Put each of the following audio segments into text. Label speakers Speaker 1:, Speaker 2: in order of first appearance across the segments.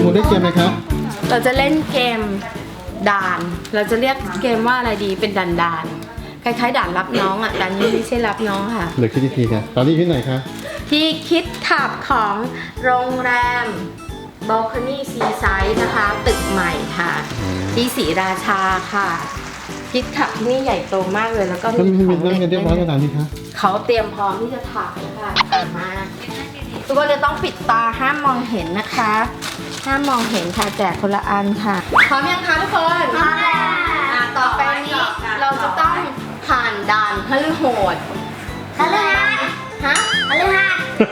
Speaker 1: มูได้เกมไหมครับ
Speaker 2: เราจะเล่นเกมด่าน เราจะเรียกเกมว่าอะไรดีเป็นด่านคล้ายๆด่านรับน้องอ่ะด่านนี้ไม่ใช่รับน้องค่ะ
Speaker 1: เหลือคิดอีกทีครับตอนนี้ที่ไหนคะ
Speaker 2: ที่คิดขับของโรงแรมบ a ลคอนี่ซีไซด์นะคะ ตึกใหม่ค่ะ ที่ศรีราชาค่ะ คิดขับที่นี่ใหญ่โตมากเลยแล้วก็
Speaker 1: ก็
Speaker 2: มี
Speaker 1: มี
Speaker 2: ของ
Speaker 1: เรื่อง
Speaker 2: เล่
Speaker 1: กันเรียบร้อยแล้วนี่คะ
Speaker 2: เขาเตรียมพร้อมที่จะถ่ายค่ะมาทุกคนจะต้องปิดตาห้ามมองเห็นนะคะห้ามมองเห็นค่ะแจกคนละอันค่ะพร้อมยังคะทุกคนพร้อมแล้วต่อไปนี้เราจะต้องผ่านด่านพฤโหด
Speaker 3: พฤหัส
Speaker 2: ฮะ
Speaker 3: พฤหัส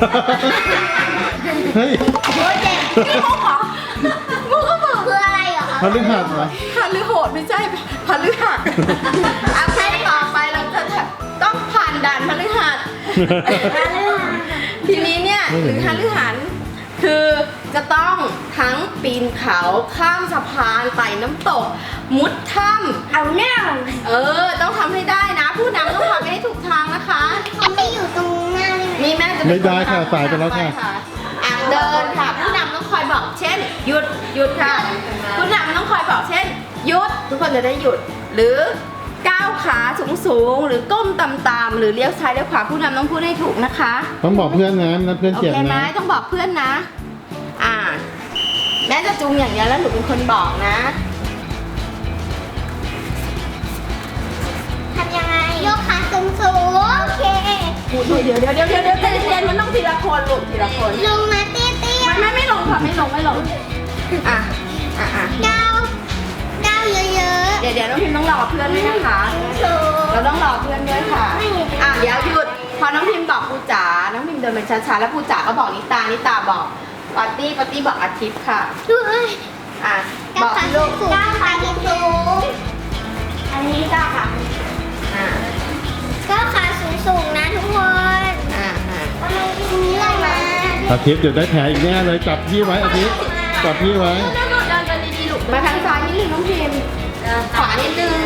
Speaker 1: เฮ้ย
Speaker 3: โอ้ยเจ็บ
Speaker 2: นี่มุกเหรอมุกก็บอก
Speaker 3: คืออะไรเหรอคะ
Speaker 1: พฤหัสเหรอ
Speaker 2: พฤโหดไม่ใช่พฤหัสเอาแค่ต่อไปเราจะต้องผ่านด่านพฤหัส ทีนี้เนี่ยหรือพฤหัสคือจะต้องทั้งปีนเขาข้ามสะพานไต่น้ำตก มุดถ้ำ
Speaker 3: เอาแน่
Speaker 2: ต้องทำให้ได้นะ ผู้นำต้องทำให้ถูกทางนะคะ
Speaker 3: เขาไม่อยู่ตรงหน้าเลย
Speaker 2: มีแม่จะ
Speaker 1: ไม่ได้ค่ะ
Speaker 2: นนำ
Speaker 1: สายไปแล้วค่ะ
Speaker 2: เดินค่ะ ผู้นำต้องคอยบอกเช่น หยุดหยุดค่ะ ผู้นำต้องคอยบอกเช่น หยุดทุกคนจะได้หยุด หรือก้าวขาสูงๆหรือก้มต่ำๆหรือเลี้ยวซ้ายเลี้ยวขวาผู้นำต้องพูดให้ถูกนะคะ
Speaker 1: ต้องบอกเพื่อนนะเพื่อน
Speaker 2: โอ
Speaker 1: เจ็บ
Speaker 2: เคไหม
Speaker 1: นะ
Speaker 2: ต้องบอกเพื่อนนะ แม่จะจูงอย่างเดียวแล้วหนูเป็นคนบอกนะ
Speaker 3: ทำยังไงยกขาสูงสูงโอเค
Speaker 2: เดี๋ยวใจเย็นๆมันต้องทีละคนลูกทีละคน
Speaker 3: ลงมาเตี้ยเตี้ย
Speaker 2: ไม่ลงค่ะไม่ลงอ่ะ
Speaker 3: ก้าวเยอะ
Speaker 2: เดี๋ยวน้องพิมพ์ต้องรอเพื่อนด้วยนะคะ
Speaker 3: ๆสูง
Speaker 2: เราต้องรอเพื่อนด้วยค่ะเดี๋ยวหยุดพอน้องพิมพ์บอกปูจ๋าน้องพิมพ์เดินไปช้าๆแล้วปูจ๋าก็บอกนิตาบอกปาร์ตี้บอกอาทิตย์ค่ะ
Speaker 3: ด้วย
Speaker 2: บ
Speaker 3: ก้า
Speaker 2: อ
Speaker 3: ว
Speaker 2: ก
Speaker 3: ขา
Speaker 2: ลู
Speaker 3: สู
Speaker 2: ก
Speaker 3: งก้าวขาสูงอันนี้ก้าวขา
Speaker 2: อ่า
Speaker 3: ก้าวขาสูงนะทุกคน
Speaker 2: อ่า
Speaker 3: ทำไมทีนี้เลยมา
Speaker 1: อาทิตย์เดี๋ยวได้แผลอีกแน่เลยจับพี่ไว้อาทิตย์จับพี่ไว้
Speaker 2: เดินกันดีๆลูกมาทางซ้ายนิดนึงน้องพิมพ์ขวานิดนึง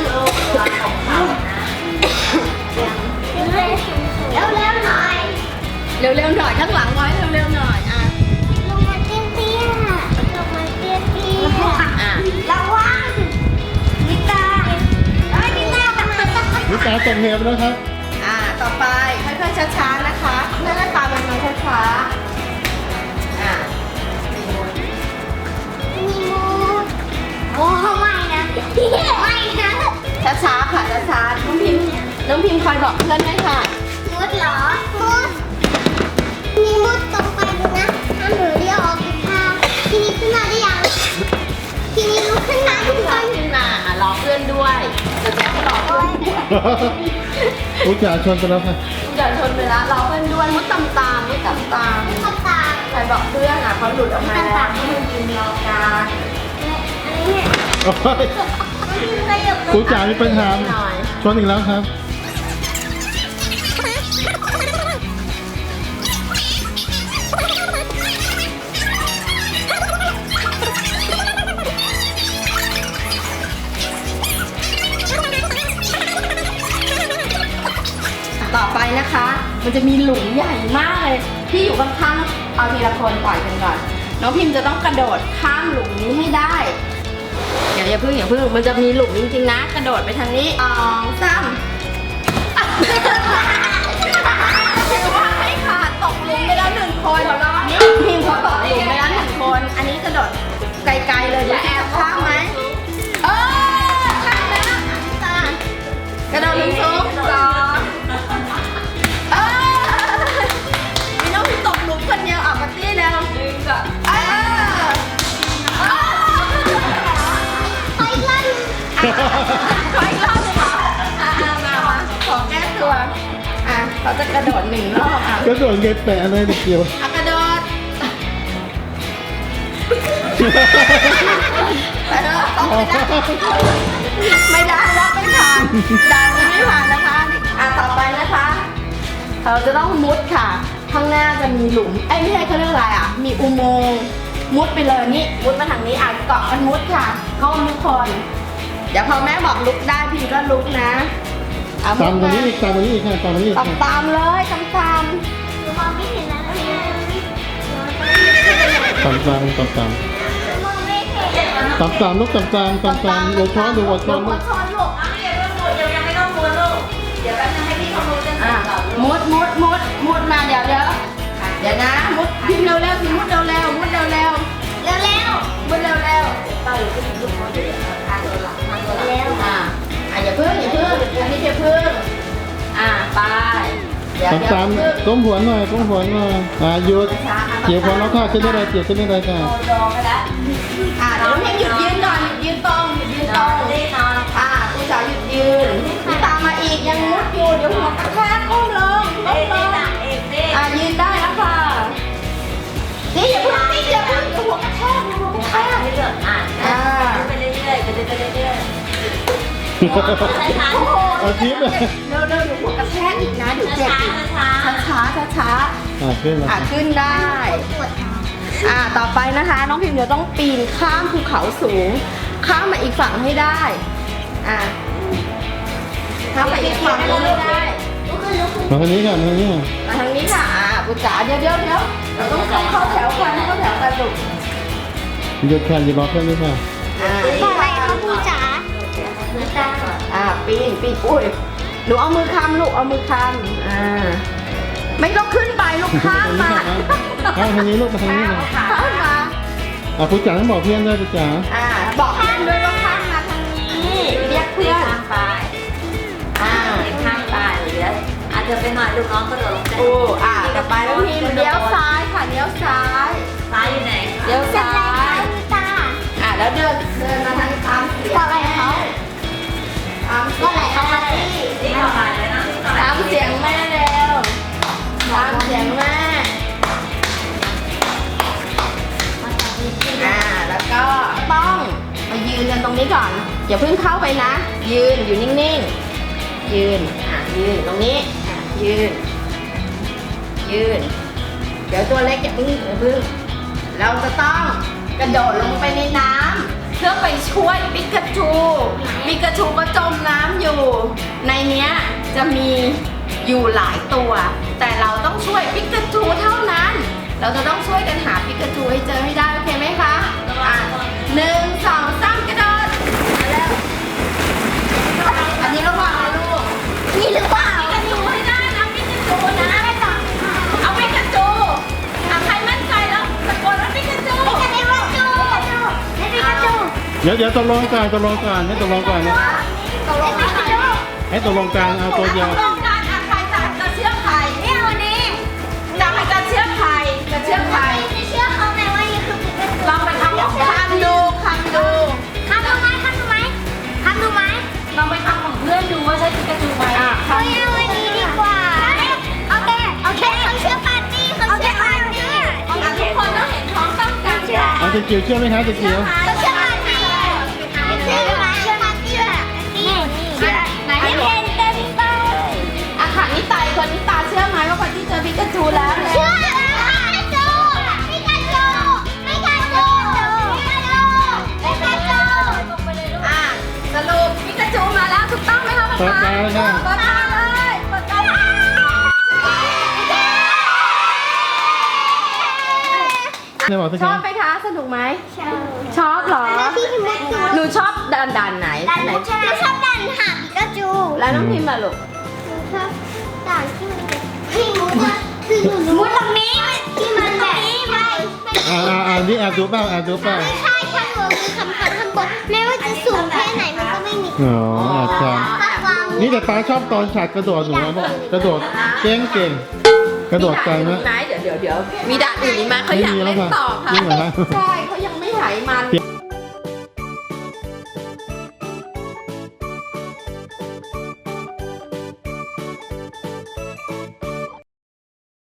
Speaker 3: เร็วหน่อย
Speaker 2: เร็วๆหน่อยข้างหลังไว้เร็วๆหน่อย
Speaker 3: ลงมาเตี้ยๆลงมาเตี้ยๆระวังนิตานิตาทำไม
Speaker 1: นี่ตาตกเหวไปแล้วครับ
Speaker 2: ต่อไปค่อยๆช้าๆนะคะเลื่อนตามมันมาช้าๆ
Speaker 3: มีมูดโอ้ไม่นะไม่นะ
Speaker 2: ช้าๆค่ะช้าๆน้องพิมพ์คอยบอกเพื่อนด้วยค่ะ
Speaker 3: มุดเหรอมุดมีมุดตรงไปดูนะห้ามหนูเรียกออกกินข้าวทีนี้ขึ้นมาได้ยังทีนี้ลุกขึ้นมาทุกคน
Speaker 2: ขึ้นมารอเพื่อนด้วยจะแจ๊รอเพื่อนด้วย
Speaker 1: อุจจาชนไปแล้วค่ะ
Speaker 2: อย่าชนไปละรอเพื่อนด้วยมุดตามมุดตาม
Speaker 3: เข้าตา
Speaker 2: ใครบอกเพื่อนเขาหลุดออกมาแล้วให้มันยืนรอการ
Speaker 3: อันนี้เนี่ย
Speaker 1: โอ้ย
Speaker 3: ขยับ
Speaker 1: อุจจามีปัญหาชนอีกแล้วครับ
Speaker 2: ต่อไปนะคะ มันจะมีหลุมใหญ่มากเลยที่อยู่ข้างๆเอาทีละคนปล่อยกันก่อนน้องพิมพ์จะต้องกระโดดข้ามหลุมนี้ให้ได้อย่าเพิ่งมันจะมีหลุมจริงๆนะกระโดดไปทางนี้2 3ถือว่าให้ขาดตกหลุมไปแล้ว1 คนนี่พิมพ์เขาตกหลุมไปแล้ว1 คนอันนี้กระโดดไกลๆเลยจะแอบข้ามไหมข้ามแล้วกระโดดสูง2มีน้องพิมพ์ตกหลุมคนเดียวปาร์ตี้แล้ว
Speaker 3: ไปลั่น
Speaker 2: ขออีกรอบหนึ่งเหรอมาขอแก้ตัวเขาจะกระโดด1 รอบ
Speaker 1: ก็โดนเกยแปะเลยเด็กเดียว
Speaker 2: กระโดดไม่ได้รอบไม่ผ่านด่านนี้ไม่ผ่านนะคะต่อไปนะคะเราจะต้องมุดค่ะข้างหน้าจะมีหลุมไม่ใช่เขาเรียกอะไรมีอุโมงค์มุดไปเลยนี่มุดมาทางนี้เกาะกันมุดค่ะก้มทุกคนเดี๋ยวพอแม่บอกลุกได้พี่ก็ลุกนะ
Speaker 1: ตามตรงนี้อีกค่ะตามเลย
Speaker 2: ตาม
Speaker 3: หนูมองไม่เห็นแล้วนะ
Speaker 1: ตาม
Speaker 3: มอง
Speaker 1: ตามลูกตามเดี๋ยวช้อนดูหัวช้อน
Speaker 2: หั
Speaker 1: ลู
Speaker 2: ว
Speaker 1: ก
Speaker 2: ช้อนลูก
Speaker 4: เอาไม่อย่าเพิ่งมุดยังไม่ต้องมุดลูกเดี๋ยวแป๊บนึงให้พี่เขามุดกัน
Speaker 2: อ่ะ
Speaker 4: ก่อนลูก
Speaker 2: มุดมาเดี๋ยวนะมุดพิมพ์เร็วๆพิมพ์มุดเร็วๆมุดเร็ว
Speaker 3: เร็ว
Speaker 2: มุดเร็ว
Speaker 4: เต่าอยู่ที่ลูกเขาเดี๋ยวทางตัวหลังทางตัวหลัง
Speaker 2: ๆอย่าเพิ่งอันนี้อย่าเพิ่งไปเดี๋ยว
Speaker 1: ตามก้มหัวหน่อยหยุดเกี่ยวของเราค่ะขึ้นได้เลยเกี่ยวขึ้นได้เลยค่ะ
Speaker 4: โดนไปแล้ว
Speaker 2: เดี๋ยวให้หยุดยืนก่อนหยุดยืนตรง
Speaker 4: นอน
Speaker 2: ผู้สาวหยุดยืนนี่ตามมาอีกยังมุดอยู่เดี๋ยวหัวกระแทกก้มลง
Speaker 4: เอกเอกเอก
Speaker 2: ยืนได้แล้วค่ะนี่อย่าเพิ่งนี่อย่าเพิ่งเดี๋ยวหัวกระแทก
Speaker 4: ไปเรื่อยๆไปเรื่อยๆไปเรื่อยๆช้า
Speaker 2: โอ้โห
Speaker 1: เอาทิปเลย
Speaker 2: เร็วเดี๋ยวหัวกระแทกอีกนะเดี๋ยวเจ็บอีกช้า
Speaker 1: ขึ้นมา
Speaker 2: ขึ้นได้
Speaker 3: ปวด
Speaker 2: ต่อไปนะคะ น้องพิมพ์เดี๋ยวต้องปีนข้ามภูเขาสูง ข้ามมาอีกฝั่งให้ได้ข้ามมาอีกฝั่งให้ได้
Speaker 1: มาทางนี้ค่ะมาทางนี้ค่ะ
Speaker 2: มาทางนี้ค่ะปุจจ๋าเดี๋ยวเราต้องเข้าแถวกันลูก
Speaker 1: หยุดค่ะหยุดรอแค่นี้ค่ะ
Speaker 3: อะไรคะครูจ๋า
Speaker 2: ปีนอุ้ยหนูเอามือคำลูกเอามือคำไม่ต้องขึ้นไปลูกข้ามมา
Speaker 1: เอาทางนี้ลูกมาทางนี้เลย
Speaker 2: ข้ามมา
Speaker 1: ผู้จ๋าต้องบอกเพื่อนด้วยผู้จ๋า
Speaker 2: บอกเพื่อนด้วยว่าข้ามมาทางนี้เรียก
Speaker 4: เพื่
Speaker 2: เพื่
Speaker 4: อ
Speaker 2: อน น
Speaker 4: ข้างไปข้างไปเดี๋ยวอาจจะไปหน่อยลูกน้องก็โดดลงไป
Speaker 2: ต่อไปน้องพิมพ์เลี้ยวซ้ายค่ะเลี้ยวซ้าย
Speaker 4: ซ้ายอยู่ไหน
Speaker 2: เลี้ยว
Speaker 3: จะ
Speaker 2: ซ้า
Speaker 3: อะไร
Speaker 2: ย
Speaker 3: คะคุณตา
Speaker 2: แล้วเดินมาทางตามเสียง
Speaker 3: บอกอะไรเขา
Speaker 2: ตามเสี
Speaker 3: ก็
Speaker 2: ยง
Speaker 3: ไหนเขามาที่
Speaker 4: นี่ต่อไปเลยนะต่อ
Speaker 2: ตามเสียงแม่เร็วตามเสียงแม่แล้วก็ต้องมายืนกันตรงนี้ก่อนอย่าเพิ่งเข้าไปนะ ยืนอยู่นิ่งๆยืนตรงนี้ยืน เดี๋ยวตัวเล็กอย่าเพิ่งเราจะต้องกระโดดลงไปในน้ำเพื่อไปช่วยปิกาจูก็จมน้ำอยู่ ในเนี้ยจะมีอยู่หลายตัว แต่เราต้องช่วยปิกาจูเท่านั้น เราจะต้องช่วยกันหาปิกาจูให้เจอให้ได้โอเคไหมคะ1 2 3กระโดดมาแล้วอันนี้ระวังนะลูก
Speaker 3: นี่หรือเปล่า
Speaker 2: ปิกาจูให้ได้นะปิกาจูนะเอาปิกาจูใครมั่นใจแล้วตะโกนว่าปิกาจู
Speaker 3: ไม่ใช่ว่าจูไม่ใช่ว่าจู
Speaker 1: เดี๋ยวตกลงก่อนให้ตกลงก่อนนะ
Speaker 3: ไม่ใช่ว่าจู
Speaker 1: ให้ตกลงกลางเอาตัวเดียว
Speaker 2: ต้องการใครจะเชื่อใคร
Speaker 3: เนี่ยวันนี้
Speaker 2: จะให้จะเชื่อใครจะเชื่อใคร
Speaker 3: จะเชื่อเขาไหมว่านี่คือปิกาจู
Speaker 2: ลองไปทำของคำดู
Speaker 3: ทำดูไหม
Speaker 4: ลองไปทำของเพื่อนดูว่าใช่ปิกาจูไหม
Speaker 3: เอาวันนี้ดีกว่าโอเคเขาเชื่อปาร์ตี้เขาเชื่อปาร์ตี้
Speaker 2: ทุกคนต้องเห็นท้องต้องกันค่ะ
Speaker 1: เอาตะเกียวเชื่อไหมคะตะเกียว
Speaker 3: เขาเชื่อปาร์ตี้เชื่อปาร์ตี้นี่ไหนเห็นเต็มไป
Speaker 2: ค่ะนิตาคนนิตาเชื่อไหมว่าคนที่เจอปิกาจูแล้วเนี่ย
Speaker 3: เชื่อปิกาจู
Speaker 2: สรุปปิกาจูมาแล้วถูกต้องไหมคะ
Speaker 1: เปิดตาเลยค่ะ
Speaker 2: เปิดตาเลยเปิดตาเลย
Speaker 1: ได้บอกสิ
Speaker 2: ช
Speaker 1: คะ
Speaker 2: อบไหมคะสนุกไหมชอบเหรอ
Speaker 3: พี่พิมพ์จู
Speaker 2: หนูชอบดันไหน
Speaker 3: หนูชอบดันหาปิกาจู
Speaker 2: แล้วน้องพิมพ์มาลูก
Speaker 3: ชอบด่านที่มันพี่มุดคือมุดตรงนี้ที่มันแบบไม่
Speaker 1: นี่แอบดูเปล่า
Speaker 3: ใช่ข้างบนคือคำข้างบนไม่ว่าจะสูงแค่ไหนมันก็ไม่มี
Speaker 1: อ๋อแอบท
Speaker 3: ถ้าวาง
Speaker 1: ำนี่แต่ตาชอบตอนฉากกระโดดหนูนะกระโดดเก่งกระโดดไกลนะ
Speaker 2: ไหนเดี๋ยวมีด่านอื่นอีกไหมเขาอยากเล่นต่อค่ะ
Speaker 1: จริงเหรอคะ
Speaker 2: ใช่เขายังไม่หายมัน